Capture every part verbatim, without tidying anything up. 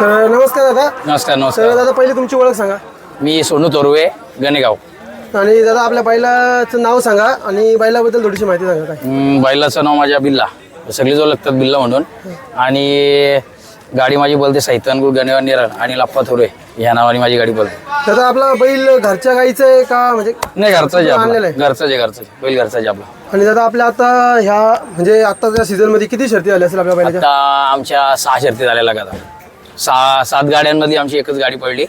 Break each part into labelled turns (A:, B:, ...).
A: तर नमस्कार दादा.
B: नमस्कार
A: तर
B: नमस्कार.
A: दादा पहिले तुमची ओळख सांगा.
B: मी सोनू तोरवे, गणेगाव.
A: आणि दादा आपल्या बैलाचं नाव सांगा आणि बैलाबद्दल थोडीशी माहिती सांगा. काय
B: हम्म, बैलाचं नाव माझ्या बिल्ला, सगळी जो लागतात बिल्ला म्हणून. आणि गाडी माझी बोलते सैतानगुळ गणेवा निरण आणि लप्पा थोरे ह्या नावाने माझी गाडी बोलते.
A: दादा आपला बैल घरच्या गाईचं आहे का म्हणजे
B: नाही, घरचाच आहे आपला.
A: आणलेलं आहे?
B: घरचाच आहे, घरचाच आहे. बैल घरचाच आहे आपला.
A: आणि दादा आपल्या आता ह्या म्हणजे आताच्या सीझन मध्ये किती शर्ती झाल्या असेल आपल्या बैलाच्या?
B: आता आमच्या सहा शर्ती झालेल्या का आता. सहा सात गाड्यांमध्ये आमची एकच गाडी पडली.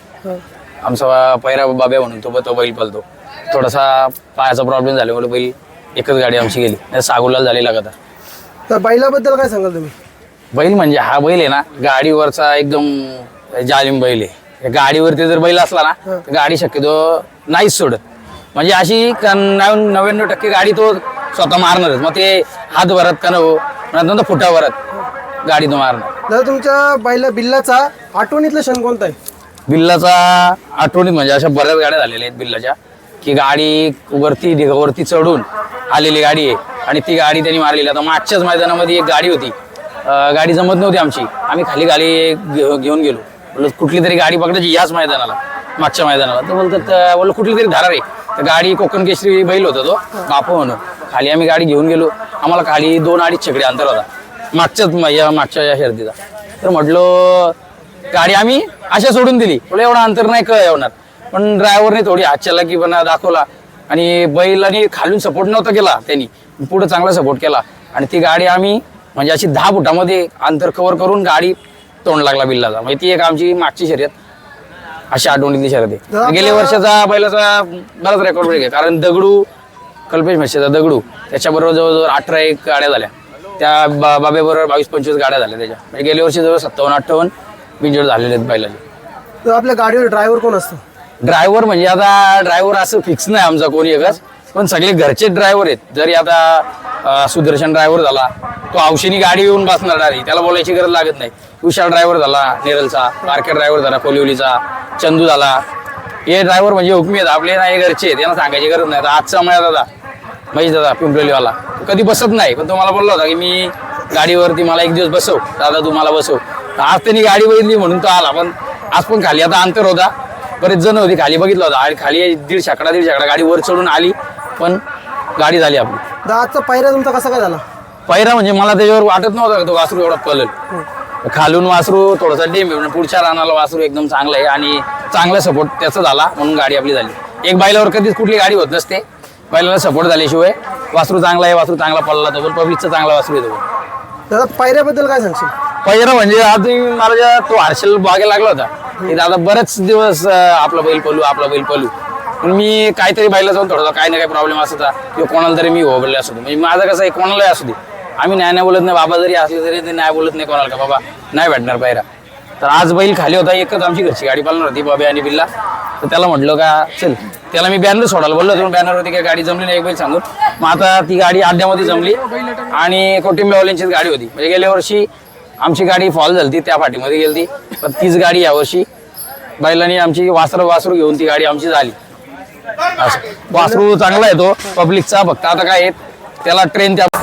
B: आमचा पैरा बाब्या म्हणून तो तो बैल पळतो. थोडासा पायाचा प्रॉब्लेम झाल्यामुळे बैल एकच गाडी आमची गेली. नाही सहा गुलाल झालेला का.
A: तर बैलाबद्दल काय सांगाल तुम्ही?
B: बैल म्हणजे हा बैल आहे ना, गाडीवरचा एकदम जालिम बैल आहे. गाडीवरती जर बैल असला ना तर गाडी शक्यतो नाहीच सोडत. म्हणजे अशी नव्याण्णव टक्के गाडी तो स्वतः मारणारच. मग ते हात भरत का नको, नंतर फुटा भरत गाडी तो मारणार.
A: दादा तुमच्या बैला बिल्लाचा आठवणीतला क्षण कोणता आहे?
B: बिल्लाचा आठवणीत म्हणजे अशा बऱ्याच गाड्या झालेल्या आहेत बिल्लाच्या, की गाडी वरती ढिगावरती चढून आलेली गाडी आहे आणि ती गाडी त्यांनी मारलेली. आता मागच्याच मैदानामध्ये एक गाडी होती, गाडी जमत नव्हती आमची. आम्ही खाली गाडी घेऊन गेलो. बोललो कुठली तरी गाडी पकडायची याच मैदानाला, मागच्या मैदानाला. तर बोलतात बोललो कुठली तरी धारा रे. तर गाडी कोकण केसरी बैल होता तो बापू म्हणून. खाली आम्ही गाडी घेऊन गेलो. आम्हाला खाली दोन अडीच छकडे अंतर होता मागच्याच या मागच्या या शर्दीचा. तर म्हटलो गाडी आम्ही अशा सोडून दिली. बोला एवढं अंतर नाही कळ येणार. पण ड्रायव्हरने थोडी हातच्याला की पण दाखवला आणि बैलाने खालून सपोर्ट नव्हता केला, त्यांनी पुढे चांगला सपोर्ट केला. आणि ती गाडी आम्ही म्हणजे अशी दहा फुटामध्ये अंतर कव्हर करून गाडी तोंड लागला बिल्लाचा. म्हणजे ती एक आमची मागची शर्यत अशी आठवणीतली शर्यत आहे. गेल्या वर्षाचा बैलाचा बराच रेकॉर्ड ब्रेक आहे. कारण दगडू कल्पेश म्हशीचा दगडू त्याच्याबरोबर जवळजवळ अठरा एक गाड्या झाल्या. त्या बा बाबेबरोबर बावीस पंचवीस गाड्या झाल्या त्याच्या. म्हणजे गेल्या वर्षी जवळ सत्तावन्न अठ्ठावन्न बिंजोड झालेले आहेत बैलाचे.
A: तर आपल्या गाडीवर ड्रायव्हर कोण असतो?
B: ड्रायव्हर म्हणजे आता ड्रायव्हर असं फिक्स नाही आमचा कोणी एकच, पण सगळे घरचे ड्रायव्हर आहेत. जरी आता सुदर्शन ड्रायव्हर झाला, तो औषधी गाडी येऊन बसणार नाही, त्याला बोलायची गरज लागत नाही. विशाल ड्रायव्हर झाला नेरलचा, मार्केट ड्रायव्हर झाला कोलिवलीचा, चंदू झाला. हे ड्रायव्हर म्हणजे हुकमी आहेत आपले, नाही घरचे आहेत, त्यांना सांगायची गरज नाही. आजचा माझा दादा महेश दादा पिंपरीवाला कधी बसत नाही, पण तो मला बोलला होता की मी गाडीवरती मला एक दिवस बसव दादा, तू मला बसव. आज त्यांनी गाडी बघितली म्हणून तो आला. पण आज पण खाली आता अंतर होता, बरेच जण होती खाली, बघितलं होता. आणि खाली दीड शाकडा दीड शाकडा गाडी वर चढून आली, पण गाडी झाली आपली.
A: दादा आजचा पायरा तुमचा कसा काय झाला?
B: पहिरा म्हणजे मला त्याच्यावर वाटत नव्हतं का तो वासरू एवढा पळेल. खालून वासरू थोडासा डेम आहे, पुढच्या रानाला वासरू एकदम चांगलं आहे आणि चांगला सपोर्ट त्याचा झाला म्हणून गाडी आपली झाली. एक बैलावर कधीच कुठली गाडी होत नसते, बैलाला सपोर्ट झाल्याशिवाय वासरू चांगला आहे, वासरू चांगला पळला तो, पण पब्लिकचा चांगला वासरू येतो.
A: दादा पायऱ्याबद्दल काय सांगशील?
B: पहिरा म्हणजे आज मला ज्या तो हर्षल बागेला लागला होता की दादा बरेच दिवस आपला बैल पळू आपला बैल पळू. पण मी काहीतरी बैला जाऊन थोडा काही ना काही प्रॉब्लेम असायचा किंवा कोणाला तरी मी होबले असू दे. म्हणजे माझं कसं आहे, कोणालाही असू दे आम्ही नाही नाही बोलत नाही. बाबा जरी असले तरी ते नाही बोलत नाही कोणाला का बाबा नाही भेटणार पायरा. तर आज बैल खाली होता, एकच आमची घरची गाडी पालणार होती बाबा आणि बिल्ला. तर त्याला म्हटलं का चल, त्याला मी बॅनर सोडायला बोललो होतो, बॅनरवरती काही गाडी जमली नाही एक बैल सांगून. मग आता ती गाडी अड्ड्यामध्ये जमली आणि कोटिंबेवाल्यांचीच गाडी होती. म्हणजे गेल्या वर्षी आमची गाडी फॉल झाली त्या फाटीमध्ये गेली ती, पण तीच गाडी यावर्षी बैलांनी आमची वासरू वासरू घेऊन ती गाडी आमची झाली. असं वासरू चांगला आहे तो पब्लिकचा. फक्त आता काय त्याला ट्रेन त्या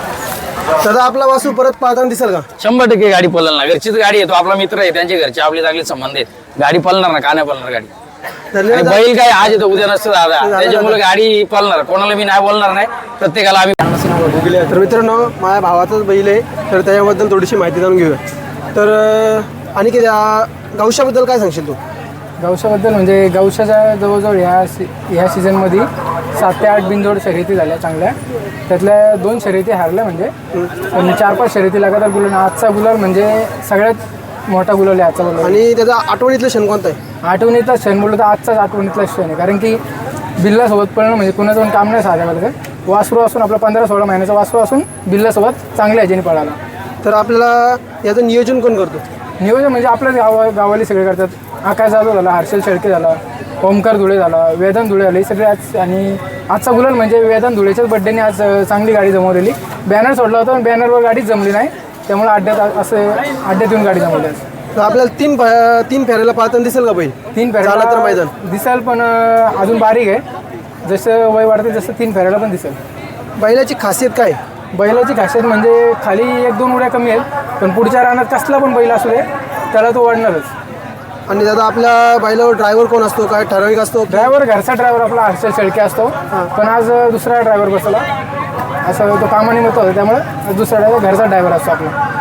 A: दादा आपला वासू परत पाळताना दिसेल का?
B: शंभर टक्के गाडी पळणार ना. घरचीच गाडी आहे, तो आपला मित्र आहे, त्यांचे घरचे आपले चांगले संबंध आहेत. गाडी पळणार ना, का नाही पळणार गाडी. आणि बैल काय आज येतो उद्या नसतं दादा, त्याच्यामुळे गाडी पळणार. कोणाला मी नाही बोलणार नाही, प्रत्येकाला आम्ही.
A: तर मित्रांनो माझ्या भावाचाच बैल आहे, तर त्याच्याबद्दल थोडीशी माहिती जाणून घेऊया. तर आणि की गौशाबद्दल काय सांगशील तू?
C: गौशाबद्दल म्हणजे गौशाच्या जवळजवळ ह्या सी ह्या सीझनमध्ये सात ते आठ बिनजोड शर्यती झाल्या चांगल्या. त्यातल्या दोन शर्यती हारल्या म्हणजे, पण चार पाच शर्यती लगातार गुलाल. आजचा गुलाल म्हणजे सगळ्यात मोठा गुलाल आहे आजचा गुलाल.
A: आणि त्याचा आठवणीतलं क्षण कोणता आहे?
C: आठवणीतला क्षण बोललो तर आजचाच आठवणीतला क्षण आहे. कारण की बिल्लासोबत पळणं म्हणजे कुणाचं पण काम नाही साध्या का. वासरू असून आपला पंधरा सोळा महिन्याचा वासरू असून बिल्लासोबत चांगल्या ह्याच्याने पळाला.
A: तर आपल्याला याचं नियोजन कोण करतो?
C: नियोजन म्हणजे आपल्याच गावा गावाली सगळे करतात. आकाश जाधव झाला, हर्षल शेळके झाला, ओमकार धुळे झाला, वेदांत धुळे झाले, सगळे आज. आणि आजचा गुलाल म्हणजे वेदांत धुळेच्याच बड्डेने आज चांगली गाडी जमवलेली. बॅनर सोडला होता पण बॅनरवर गाडीच जमली नाही, त्यामुळे अड्ड्यात असं अड्ड्यात येऊन गाडी जमवली.
A: तर आपल्याला तीन तीन फेऱ्याला पाळताना दिसेल का बैल?
C: तीन फेऱ्याला
A: तर मैदान
C: दिसेल, पण अजून बारीक आहे. जसं वय वाढते जसं तीन फेऱ्याला पण दिसेल.
A: बैलाची खासियत काय?
C: बैलाची खासियत म्हणजे खाली एक दोन उड्या कमी आहेत, पण पुढच्या रानात कसला पण बैल असू दे त्याला तो वाढणारच.
A: आणि दादा आपल्या बैलावर ड्रायव्हर कोण असतो, काय ठराविक असतो?
C: ड्रायव्हर घरचा ड्रायव्हर आपला हर्षल शेळके असतो, पण आज दुसरा ड्रायव्हर बसला. असं तो कामानिमित्त होता, त्यामुळे दुसरा ड्रायव्हर घरचा ड्रायव्हर असतो आपला.